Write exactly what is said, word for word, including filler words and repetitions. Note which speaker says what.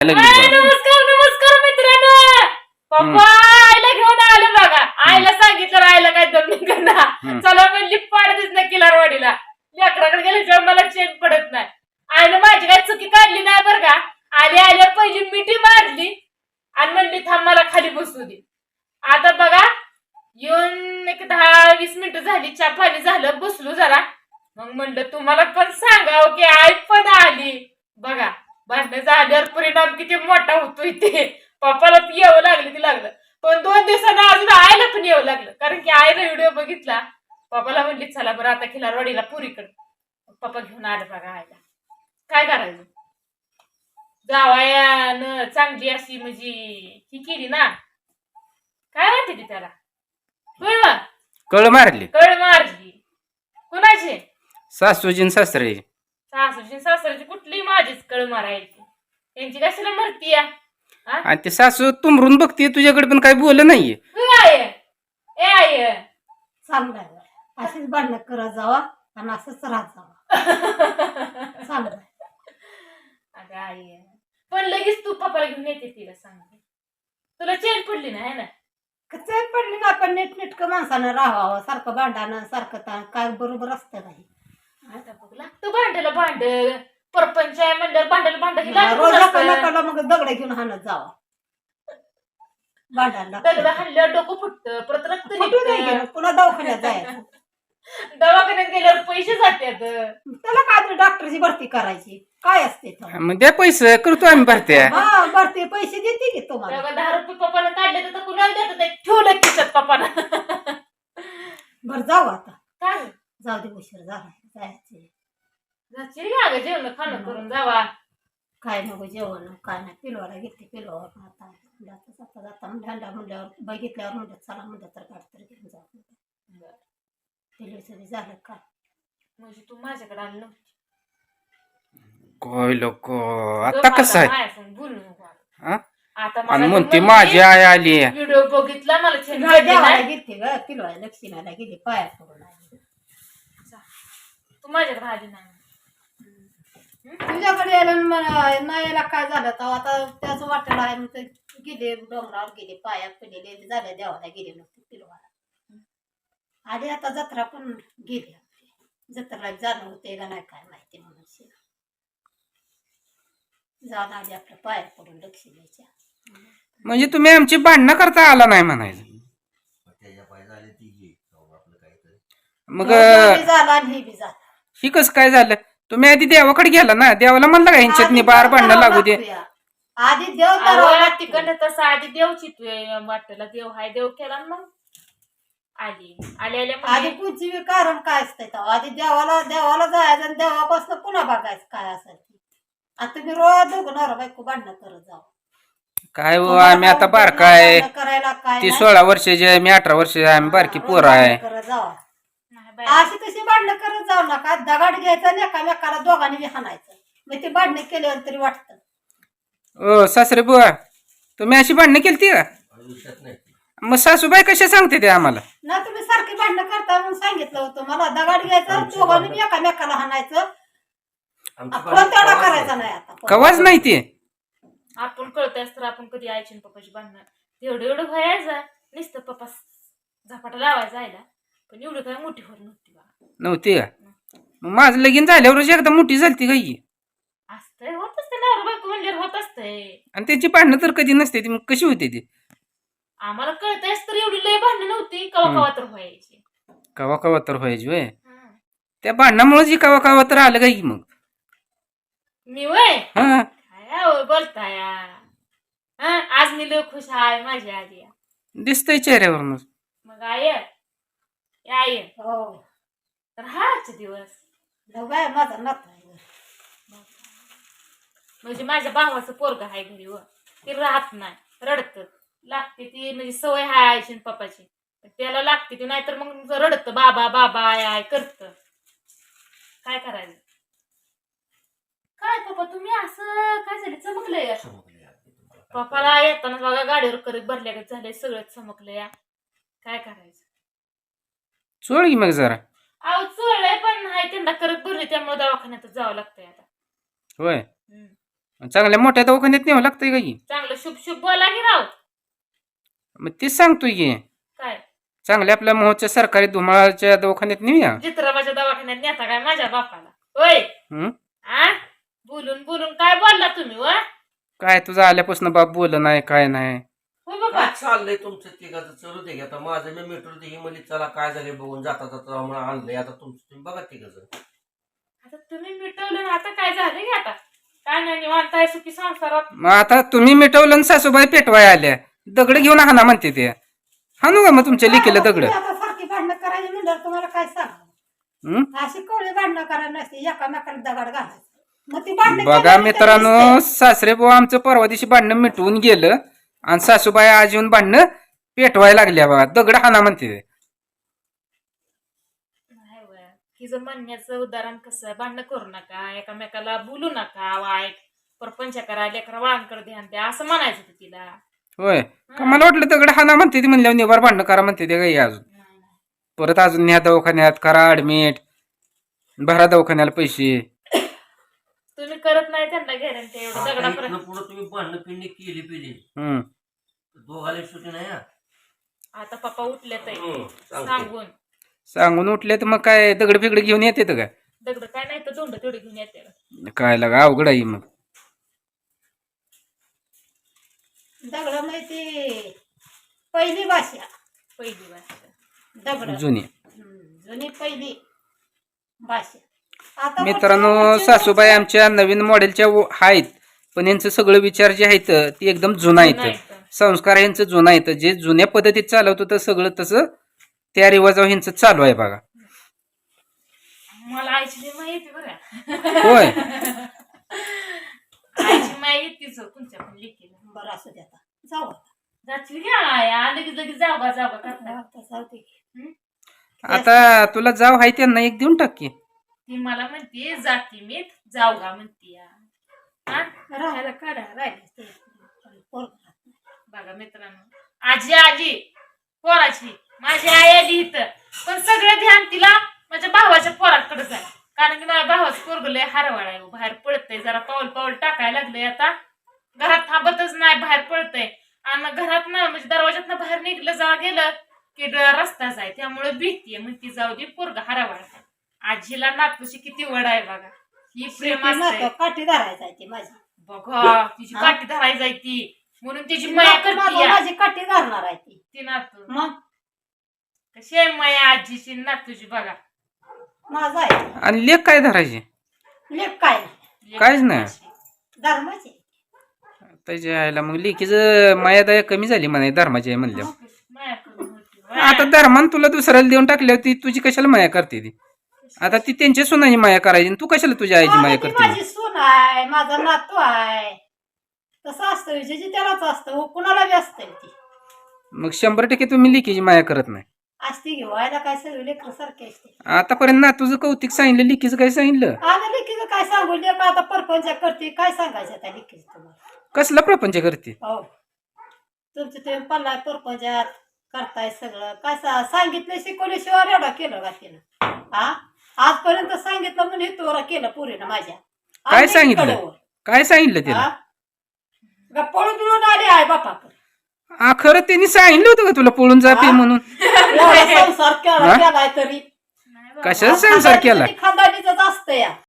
Speaker 1: नमस्कार नमस्कार मित्रांनो. पप्पा आईला घेऊन आले बघा. आईला सांगितलं आईला काय दम निघणार. चला म्हणली पाडतीच ना किलारवाडीला. लेकराकडे गेल्याशिवाय मला चेन पडत नाही. आईनं माझी काय चुकी काढली नाही बरं का. आली आल्या पहिली मिठी मारली आणि म्हणली थांब मला खाली बसू दे. आता बघा येऊन एक दहा वीस मिनिटं झाली, चहा पाणी झालं, बसलो जरा. मग म्हणलं तुम्हाला पण सांगावं की आई पण आली. बघा भांडणं झाल्यावर परिणाम किती मोठा होतो इथे. पप्पाला यावं लागलं ती लागलं, पण दोन दिवसांना अजून आईला पण यावं लागलं. कारण की आईला व्हिडिओ बघितला. पप्पाला म्हणली चला बरं आता खिलारवाडीला पुरीकडे. पप्पा घेऊन आलं बघा आईला. काय करायचं, जावयानं चांगली अशी म्हणजे ही केली ना, काय म्हणते ती त्याला, कळ
Speaker 2: कळ मारली.
Speaker 1: कळ मारली. कुणाची?
Speaker 2: सासूजी सासरे.
Speaker 1: सासूची सासऱ्याची कुठली माझीच कळ मारायची. त्यांची कशाला मरती या.
Speaker 2: आणि ते सासू तुमरून बघते तुझ्याकडे पण काही बोल नाहीये.
Speaker 1: ए आय
Speaker 3: चांगलं अशीच भांडणं करत जावा आणि असंच राहत जावा. चांगलं
Speaker 1: अगं आई पण लगेच तू पप्पाला घेऊन येते तिला सांगते. तुला चेन पडली ना है ना.
Speaker 3: कसे पडली ना, पण नीटनेटकं माणसानं राहावं. सारखं भांडणं सारखं काय बरोबर असतं काही.
Speaker 1: आता बघ लागतं भांड्याला भांड. परपंच आहे म्हणल्यावर भांड्याला भांड
Speaker 3: रोज नकाला मग दगड घेऊन हाणत जावा भांडायला.
Speaker 1: दगड हाणल्यावर डोकं फुटतं, परत रक्त निघतं.
Speaker 3: पुन्हा दवाखान्यात जायचं.
Speaker 1: दवाखान्यात गेल्यावर पैसे जातात.
Speaker 3: त्याला काय तरी डॉक्टरची भरती करायची काय असते.
Speaker 2: मग द्या पैसे करतो आम्ही भरत्या.
Speaker 3: हा भरती पैसे देते की तुम्हाला.
Speaker 1: दहा रुपये पप्पानं काढले तर कुणाला देतात, ठेवलं खिशात पप्पानं.
Speaker 3: बर जाऊ आता.
Speaker 1: काय
Speaker 3: जाऊ दे, उशीर झाला जायचे.
Speaker 1: अगं जेवण खाणं करून जावा.
Speaker 3: काय नको जेवण काय नाही. पिलवाला घेते पिलवावर आता जाता जाता ढांडा म्हणल्यावर बघितल्यावर म्हणतात चला म्हणतात तर काढ तर घेऊन जाऊ. पिलू झालं का
Speaker 1: म्हणजे तू माझ्याकडे आली नव्हती.
Speaker 2: काय लोक आता कसं आहे
Speaker 1: बोलू नको
Speaker 2: आता. म्हणते माझी आई आली.
Speaker 1: व्हिडिओ बघितला मला
Speaker 3: घेते ग पिलवाय लक्ष्मीला गेली पाया पडून आली.
Speaker 1: तू माझ्याकडे आली नाही.
Speaker 3: तुझ्याकडे यायला नाही यायला काय झालं तर आता त्याच वाटेला आहे. मग गेले डोंगरावर गेले पाया पडलेले झाले देवाला गेले नव्हते पिलवाला. आधी आता जत्रा पण गेली. जत्राला जाणं होते का नाही काय माहिती म्हणून जाऊन आधी आपल्या पाया पडून लक्ष्मीच्या.
Speaker 2: म्हणजे तुम्ही आमची भांडणं करता आला नाही म्हणायचं. मग
Speaker 3: झाला आणि हे बी झालं.
Speaker 2: ही कसं काय झालं. तुम्ही आधी देवाकडे गेला ना, देवाला म्हणलं का ह्यांच्यात बार भांडणं लागू दे.
Speaker 3: आधी देव
Speaker 1: तिकडनं तसं आधी देवची वाटेला देव हाय देव केला मग आली आली आल्या
Speaker 3: आधी पुढची कारण काय असतंय. आधी देवाला देवाला जायचं आणि देवापासून पुन्हा बघायचं काय असेल. आता तुम्ही रोज दोघं नवरा बायको भांडणं करत जाऊ.
Speaker 2: काय हो आम्ही आता बारका आहे.
Speaker 3: करायला काय
Speaker 2: ती सोळा वर्षाची आहे, मी अठरा वर्षाची आहे. आम्ही बारकी पोरं आहे.
Speaker 3: करत जावा. अशी तशी भांडणं करत जाऊ नका. दगड घ्यायचं आणि एकामेकाला दोघांनी बी हाणायचं. मग ते भांडणं केल्यावर तरी वाटतं.
Speaker 2: ओ सासरे बुवा तुम्ही अशी भांडणं केली का. मग सासूबाई कशा सांगते ते आम्हाला.
Speaker 3: ना तुम्ही सारखी भांडणं करता म्हणून सांगितलं होतं मला. दगड घ्यायचं दोघांनी बी एकामेकाला हाणायचं. आपण तेवढा करायचा नाही आता.
Speaker 2: कवाच नाही ते.
Speaker 1: आपण कळतंय तर आपण कधी आईची पप्पाची भांडणं एवढं एवढं व्हायचं नुसतं पप्पा झपाटा लावायचा आयला. पण एवढं काय मोठी होत नव्हती बा.
Speaker 2: नव्हती का. मग माझं लगीन झाल्यावरच एकदा मोठी झालती काही.
Speaker 1: असतंय होत असते नवरा बायको म्हणजे होत असतंय.
Speaker 2: आणि त्यांची भांडणं तर कधी नसते ती. मग कशी होते ती.
Speaker 1: आम्हाला कळतंयच तर एवढी लय भांडणं नव्हती. कवा कवा तर व्हायची.
Speaker 2: कवा कवा तर व्हायची वय. त्या भांडणामुळे जी कवा कवा तर आलं काही. मग
Speaker 1: मी वय
Speaker 2: हा
Speaker 1: काय बोलताय. हा आज मी लय खुश आहे माझी आली.
Speaker 2: दिसतंय चेहऱ्यावरून.
Speaker 1: मग आय आई
Speaker 3: हो
Speaker 1: तर हाच दिवस
Speaker 3: बाय माझा नात
Speaker 1: म्हणजे माझ्या भावाचं पोरग आहे घरी व ती राहत नाही रडत लागते ती. म्हणजे सवय हाय आईची पप्पाची त्याला लागते ती. नाहीतर मग रडत बाबा बाबा आय आय करत. काय करायचं. काय पप्पा तुम्ही असं काय झालं चमकलंय. पप्पाला येताना बघा गाडीवर करत भरल्या झालंय सगळं चमकलं या. काय करायचं.
Speaker 2: चोळ की मग जरा.
Speaker 1: अहो चोळलंय पण नाही त्यांना करत भरली त्यामुळे दवाखान्यातच जावं लागतंय आता.
Speaker 2: होय चांगल्या मोठ्या दवाखान्यात न्यावं लागतंय का की
Speaker 1: चांगलं शुभ शुभ बोला की राव.
Speaker 2: मग तेच सांगतोय की
Speaker 1: काय
Speaker 2: चांगल्या आपल्या मोहच्या सरकारी धुमाळाच्या दवाखान्यात नेऊया.
Speaker 1: चित्रबाच्या दवाखान्यात नेता काय माझ्या बापाला होय?
Speaker 2: हं?
Speaker 1: आ बोलून बोलून काय बोलला तुम्ही व?
Speaker 2: काय तुझं आल्यापासून बाप बोल नाही काय नाही.
Speaker 1: हो बाबा
Speaker 4: काय चाललंय तुमचं तिघाचं चलू दे की आता माझं मी मिटून दे ही मुली चला काय झाले बघून जाता जाता म्हणून आणलंय आता तुमचं तुम्ही बघा तिघाचं.
Speaker 1: आता तुम्ही मिटवलं ना, आता काय झालं की आता काय नाही निवांत आहे सुखी संसारात.
Speaker 2: मग आता तुम्ही मिटवलं आणि सासूबाई पेटवाय आल्या दगड घेऊन हाना म्हणते ते हाणू का मग तुमच्या लिकीला दगड.
Speaker 3: तुम्ही आता सारखी भांडणं करायची म्हणल्यावर तुम्हाला काय सांगा.
Speaker 2: हं?
Speaker 3: अशी कवळी भांडणं करायला नसते एकामेकाला दगड घालायचं. मग ती भांडणं
Speaker 2: बघा
Speaker 3: केल्यावर
Speaker 2: मित्रांनो
Speaker 3: तरी दिसते.
Speaker 2: सासरे बुवा आमचं परवा दिवशी भांडणं मिटवून गेलं आणि सासूबाई आज येऊन भांडणं पेटवायला लागल्या बघा दगड हाना म्हणते ते.
Speaker 1: नाही वय. हिचं म्हणण्याचं उदाहरण कसं आहे, भांडणं करू नका, एकामेकाला बोलू नका वाईट, परपंच करा, लेकरा बाळांकडे ध्यान द्या असं म्हणायचं होतं तिला.
Speaker 2: होय का मला वाटलं दगड हाना म्हणते ती म्हणल्यावर निवार भांडणं करा म्हणते ते काही अजून
Speaker 1: नाही, नाही.
Speaker 2: परत अजून न्या दवाखान्यात करा ऍडमिट भरा दवाखान्याला पैसे.
Speaker 1: तुम्ही करत नाही त्यांना गॅरंटी एवढं
Speaker 4: आता
Speaker 1: दगडापर्यंत.
Speaker 4: इथनं पुढं तुम्ही भांडणं पिंडी केली पिली
Speaker 2: हम्म
Speaker 4: दोघाला सुटी नाही हा.
Speaker 1: आता पप्पा उठले तर
Speaker 4: हं, सांगतो.
Speaker 1: सांगून
Speaker 2: सांगून उठले तर मग काय दगड फिगड घेऊन येते का
Speaker 1: दगड काय नाही तर दोंड तेवढी घेऊन येते.
Speaker 2: काय लागा अवघड आहे मग.
Speaker 3: दगड माहिती पहिली भाषा
Speaker 1: पहिली भाषा
Speaker 3: दगड
Speaker 2: जुनी.
Speaker 3: हम्म, जुनी पहिली भाषा. आता
Speaker 2: मित्रांनो
Speaker 3: वरच्या-
Speaker 2: सासूबाई आमच्या नवीन मॉडेलच्या व- आहेत पण यांचं सगळं विचार जे आहेत ते एकदम जुना
Speaker 1: जुनं
Speaker 2: आहेत.
Speaker 1: आहे.
Speaker 2: संस्कार यांचं जुना आहेत जे जुन्या पद्धतीत चालवतं तर सगळं तसं त्या रिवाजावर ह्यांचं चालू आहे बघा.
Speaker 1: मला आईची लई माहिती बघा.
Speaker 2: होय
Speaker 1: आईची माहिती तीच तुमच्या पण लेकीला.
Speaker 3: बरं असू दे आता जाऊ आता.
Speaker 1: जाची घ्या आया लगेच लगेच जागा जागा करता.
Speaker 3: आता जाऊ दे.
Speaker 2: आता तुला जाव आहे त्यांना एक देऊन टाक की.
Speaker 1: ती मला म्हणते जाती मी जाऊगा म्हणते या. हा?
Speaker 3: राहायला काढा राहिले
Speaker 1: बघा मित्रांनो आजी आली पोराची माझी आई आली इथं पण सगळं ध्यान तिला माझ्या भावाच्या पोराकडेच आहे. कारण की माझ्या भावाचं पोरग लय हरवाळ आहे, बाहेर पडतंय जरा पाऊल पाऊल टाकायला लागलंय. आता घरात थांबतच नाही, बाहेर पडतंय आणि घरात ना म्हणजे दरवाजात बाहेर निघलं जा गेलं की ड- रस्ताच आहे त्यामुळे भीतीये मग ती जाऊ दे पोरग हरवाळ आहे. आजीला नातूची किती वड आहे बघा. ही प्रेम असते
Speaker 3: काठी धरायचा आहे ती माझी.
Speaker 1: बघा तिची
Speaker 3: हा?
Speaker 1: काठी धरायची जाय ती म्हणून तिची माया
Speaker 3: नातू माझं
Speaker 1: करते
Speaker 3: माझी काठी धरणार आहे ती.
Speaker 1: ती नातू
Speaker 3: मग
Speaker 1: कशी आहे माया आजीची नातूची बघा.
Speaker 3: माझा आहे
Speaker 2: आणि लेख काय धरायचे
Speaker 3: लेख काय नाही
Speaker 2: काहीच नाही.
Speaker 3: धर्माची.
Speaker 2: त्याच्या आईला मग लेकीचं मायादया कमी झाली म्हणा धर्माची आहे म्हणल्यावर.
Speaker 1: माया करून होती.
Speaker 2: आता धर्मान तुला दुसऱ्याला देऊन टाकल्यावर ती तुझी कशाला माया करते ती. आता ती त्यांच्या सुनाची माया करायची आणि तू कशाला तुझ्या आईची माया
Speaker 3: माझी
Speaker 2: करते.
Speaker 3: माझी सून आहे माझा नातू आहे तसं असतं विजयची त्यालाच असतं हो, कुणाला बी असतं ती
Speaker 2: मग शंभर टक्के तुम्ही लेकीची माया करत नाही.
Speaker 3: असते घेऊ व्हायला काय सगळे लेकर सारखे असते.
Speaker 2: आतापर्यंत ना तुझं कौतिक सांगितलं लेकीचं काय सांगितलं
Speaker 3: आता लेकीचं काय सांगू लेकर आता परपंच करते काय सांगायचं त्या लेकीचं तुम्हाला.
Speaker 2: कसला प्रपंच करते.
Speaker 3: हो तुमचं तुम्ही पल्ला परपंचात करताय सगळं काय सा- सांगितलं शिकवल्याशिवाय एवढा केलं का तिनं. हा आजपर्यंत सांगितलं म्हणून हे तोरा केलं पुरीनं माझ्या.
Speaker 2: काय
Speaker 3: आणि
Speaker 2: सांगितलं?
Speaker 3: लेकीकडं वर.
Speaker 2: काय सांगितलं तिला.
Speaker 3: हा? का पळून बिळून आली आहे बापाकडे.
Speaker 2: हा खरं त्यांनी सांगितलं होतं का तुला पळून जाते
Speaker 3: हा?
Speaker 2: म्हणून.
Speaker 3: एवढा संसार केला
Speaker 2: हा?
Speaker 3: केलाय तरी
Speaker 1: नाही बाबा.
Speaker 2: कशाचा संसार केला.
Speaker 3: खानदानीच असतं या